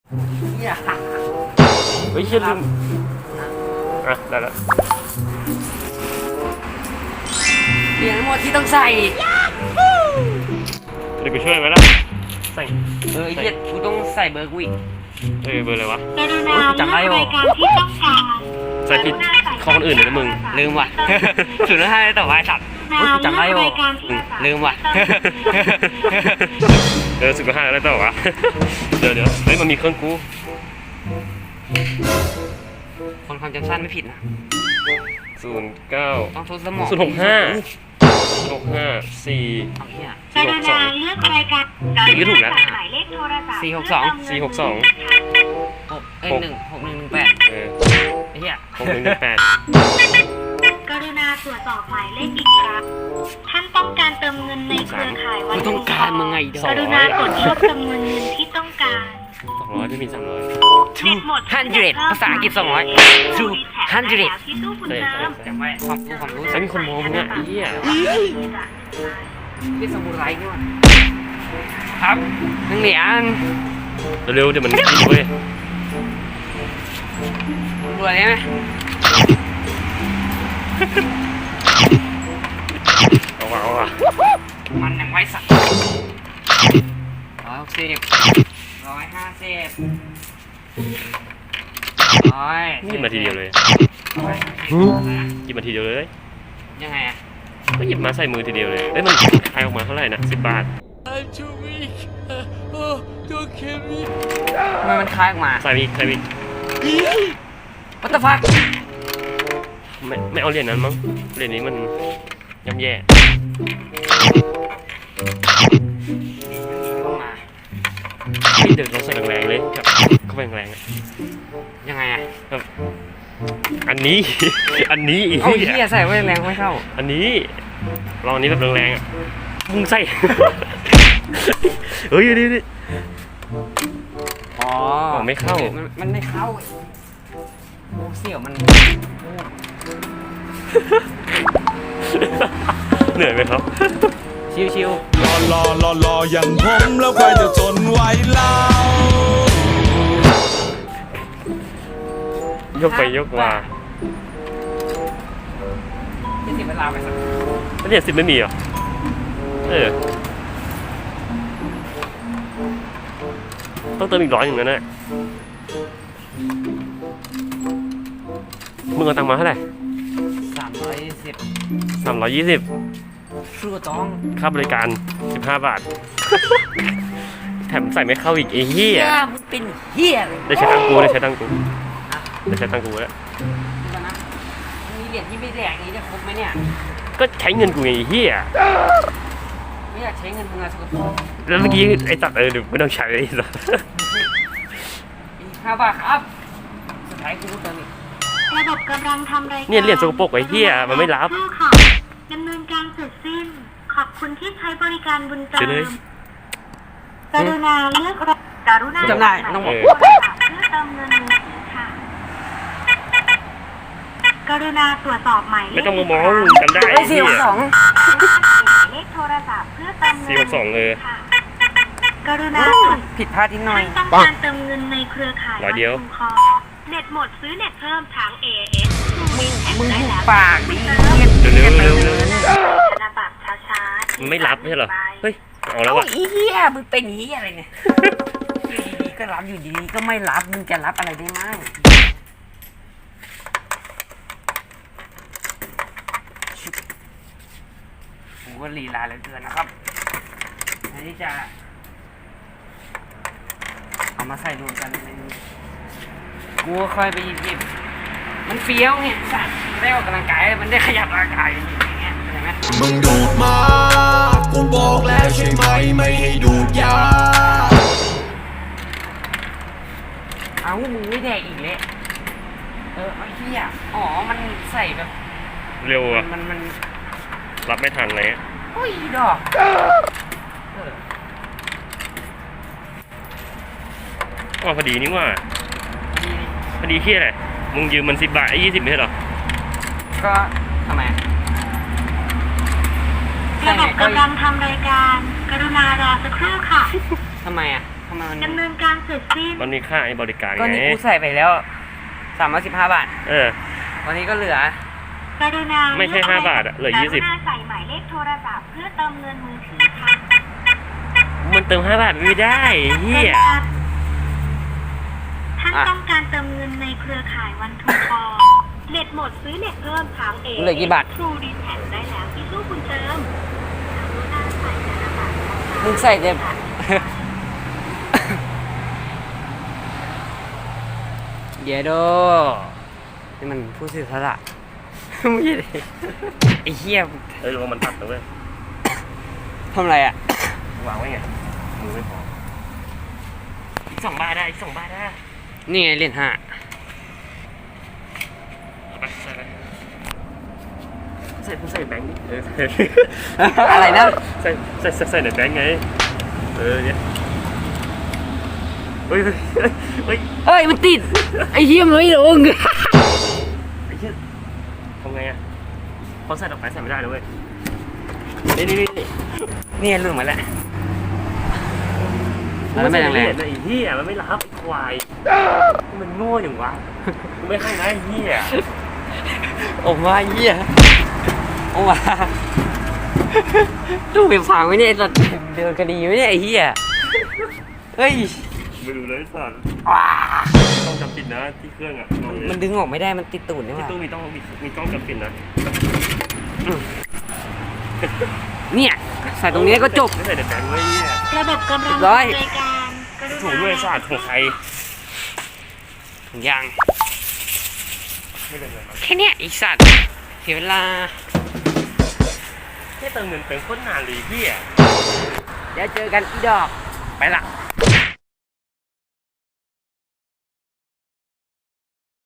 เนี่ยเฮ้ยเชี่ยลืมอ่ะได้แล้วเหรียญทั้งหมดที่ต้องใส่เดี๋ยวกูช่วยไหมล่ะใส่ไอ้เหี้ยกูต้องใส่เบอร์กูอีกเบอร์อะไรวะจำได้อยู่ใส่ผิดข้อคนอื่นเลยนะมึงลืมว่ะ 0.5ต่อไว้สัตว์กูจำได้อยู่ลืมว่ะ 15แล้วต่อวะ เดี๋ยวเฮ้ยมันมีเครื่องกูคนความจำสั้นไม่ผิดนะ 09 ต้องทดสมอง 065 4 เอาเหี้ย 462 เลือกรายการอย่างนี้ถูกแล้วหมายเลขโทรศัพท์ 462 168ไอ้เหี้ย 6118 กรุณาตรวจสอบหมายเลขอีกครั้งท่านต้องการเติมเงินในเครือข่ายวักูนต้องการมึงไงเด้กรุณากดเลือกจำนวนเงินที่ต้องการ 200ไม่มี300 เน็ตหมด 100ภาษาอังกฤษ200 200 ที่ตู้คุณเติมจำไว้ความรู้ใช่มีคนมองมึงอ่ะไอ้เหี้ยพี่สมุไรนี่ว่ะครับ1 เหรียญเร็วๆเดี๋ยวมันกินเว้ยรวยได้ไหมเอาว่ะมันยังไว้สัก160 150 หยิบมาทีเดียวเลยหยิบมาทีเดียวเลยยังไงอะก็หยิบมาใส่มือทีเดียวเลยเอ้ยมันขายออกมาเท่าไหร่นะ10 บาททำไมมันคล้ายออกมาใส่อีก What the fuck ไม่เอาเหรียญนั้นมั้งเหรียญนี้มันย่ำแย่เข้ามาเดี๋ยวเราใส่แรงๆเลยครับเข้าไปแรงๆอะยังไงอะครับอันนี้ อันนี้อีกเอาเหี้ยใส่ไว้แรงไม่เข้าอันนี้ลองอันนี้แบบแรงๆอ่ะมึงใส่ เฮ้ยดิอ๋อไม่เข้ามันไม่เข้าโอ้เสี่ยวมันเหนื่อยไหมครับชิวรออย่างผมแล้วใครจะทนไหวเล่ายกไปยกมาจะเสียเวลาไปสักแล้วเหรียญ10ไม่มีเหรอต้องเติมอีก100อย่างนั้นแหละมึงเอาตังค์มาเท่าไหร่ 310 320 ชื่อจ้องค่าบริการ15 บาท แถมใส่ไม่เข้าอีกไอ้เหี้ยมึงเป็นเหี้ยเลยได้ใช้ตังค์กูแล้วนะ ดูก่อนนะมีเหรียญที่ไม่แดกนี้จะครบไหมเนี่ยก็ใช้เงินกูไงไอ้เหี้ยไม่อยากใช้เงินมึงอะสกปรกแล้วเมื่อกี้ไอ้สัตว์เดี๋ยวไม่ต้องใช้ไอ้สัตว์อีก5 บาทครับ สุดท้ายกูรู้ตัวนี่ระบบกำลังทำรายการเนี่ยเหรียญสกปรกไอ้เหี้ยมันไม่รับเพื่อค่ะดำเนินการเสร็จสิ้น ขอบคุณที่ใช้บริการบุญเติเดี๋ยวเลยมกรุณาเลือกกรุณาจำได้ต้องบอกโทรศัพท์เพื่อเติมเงินมือถือค่ะ กรุณาตรวจสอบหมายเลขไม่ต้องมามองจำได้ไอ้เสี่ยวสองหมายเลขโทรศัพท์เพื่อเติมเงิน 462 ค่ะกรุณาตรวจผิดพลาดนิดหน่อยท่านต้องการเติมเงินในเครือข่ายร้อยเดียววัดชุมคอเน็ตหมดซื้อเน็ตเพิ่มทาง AIS มึงหุบปากดิเร็วเร็วธนบัตรช้าๆมันไม่รับไม่ใช่เหรอ เฮ้ย เอาแล้วเอาว่ะอีเหี้ยมึงเป็นเหี้ยอะไรเนี่ยอยู่ดีๆก็รับอยู่ดีๆก็ไม่รับมึงจะรับอะไรได้มั่งผมว่าลีลาเหลือเกินนะครับอันนี้จะเอามาใส่รวมกันในนี้กูก็ค่อยไปหยิบมันเฟี้ยวไงสัตว์ได้ออกกำลังกายมันได้ขยับร่างกายอย่างเงี้ยเข้าใจไหมมึงดูดมา กูบอกแล้วใช่ไหมไม่ให้ดูดยาเอามึงไม่แดกอีกเลยไอ้เหี้ยอ๋อมันใส่แบบเร็วอ่ะมันรับไม่ทันเลยโอ้ยดอกอ๋อพอดีนี่ว่าพอดีเที่ยอะไรมึงยืมมัน10 บาทไอ้20ไม่ใช่เหรอก็ทำไมระบบกำลังทำรายการ กรุณารอสักครู่ค่ะทำไมอ่ะทำไมมันดำเนินการเสร็จสิ้นมันมีค่าไอ้บริการก็ไงนี่กูใส่ไปแล้ว315 บาทเออตอนนี้ก็เหลือกรุณาไม่ใช่5 บาทอะเหลือ 20 กรุณาใส่หมายเลขโทรศัพท์เพื่อเติมเงินมือถือค่ะมันเติม5 บาทไม่ได้เฮียท่านต้องการเติมเงินในเครือข่ายวันทูคอเน็ตหมดซื้อเน็ตเพิ่มทางเอเหลือกี่บาททรูดีแท็ได้แล้วที่สู้คุณเติมกรุณาใส่ธนบัตรมึงใส่เต็ม เดี๋ยวโดนี่มันผู้สื่อสาร ไม่ใช่ไอ้เหี้ยเอ้ยระวังมันตัดนะเว้ยทำอะไรอ่ะวางไว้ไงมือไม่พออีก2 บาทได้อีก2 บาทได้นี่ไงเหรียญ5 เอาไปใส่ไปใส่แบงค์ดิเอออะไรนะใส่ในแบงค์ไงเออเนี่ยเฮ้ยเฮ้ยเอ้ยมันติด ไอ้เหี้ยมันไม่ลงไอ้เหี้ยทำไงอ่ะพอใส่ออกไปใส่ไม่ได้เลยเว้ยนี่หลุดมาแล้วมันไม่แรงไอ้เหี้ยมันไม่รับไอ้ควายมันโง่อย่างวะกูไม่ให้นะไอ้เหี้ยออกมาเหี้ยออกมาดูไปฟังไว้เนี่ยไอ้สัตว์เดินคดีไว้เนี่ยไอ้เหี้ยเฮ้ยไม่รู้เลยสัตว์ว้าต้องจำปิดนะที่เครื่องอ่ะมันดึงออกไม่ได้มันติดตูดนี่หที่ว่าตู้มีกล้องจำปิดนะเนี่ยใส่ตรงนี้ก็จบไม่ใส่ในแบงค์เว้ยเนี่ยระบบกำลังร้อยดำเนินการกรุณาถูกด้วยศาสตร์ของใครถุงยางไม่เป็นไรครับแค่เนี้ยไอีสัตว์เสียเวลาแค่เติมเงินเป็นโคตรนานเลยพี่อ่ะเดี๋ยวเจอกันอีดอกไปละ